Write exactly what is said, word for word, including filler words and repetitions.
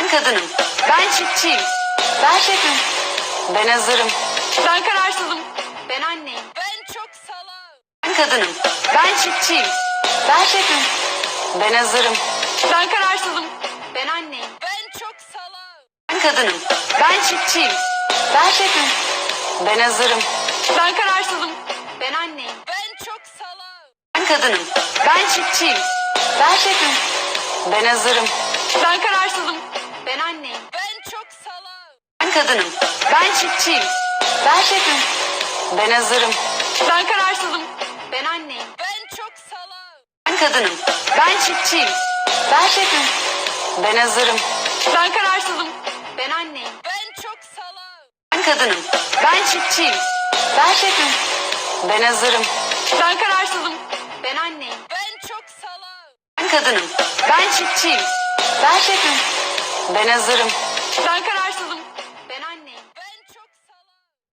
Ben kadınım. Ben çiftçiyim. Ben şefim. Ben hazırım. Ben kararsızım. Ben anneyim. Ben çok salağım. Ben kadınım. Ben çiftçiyim. Ben şefim. Ben hazırım. Ben kararsızım. Ben anneyim. Ben çok salağım. Ben kadınım. Ben çiftçiyim. Ben şefim. Ben hazırım. Ben kararsızım. Ben anneyim. Ben çok salağım. Ben kadınım. Ben çiftçiyim. Ben şefim. Ben hazırım. Ben kararsızım. Ben anneyim. Ben çok salağım. Ben kadınım. Ben çiftçiyim. Ben şefim. Ben hazırım. Ben kararsızım. Ben anneyim. Ben çok salağım. Ben kadınım. Ben çiftçiyim. Ben şefim. Ben hazırım. Ben kararsızım. Ben anneyim. Ben çok salağım. Ben kadınım. Ben çiftçiyim. Ben şefim. Ben hazırım. Ben kararsızım. Ben anneyim. Ben çok salağım. Ben kadınım. Ben çiftçiyim. Ben şefim. Ben hazırım. Ben kararsızım.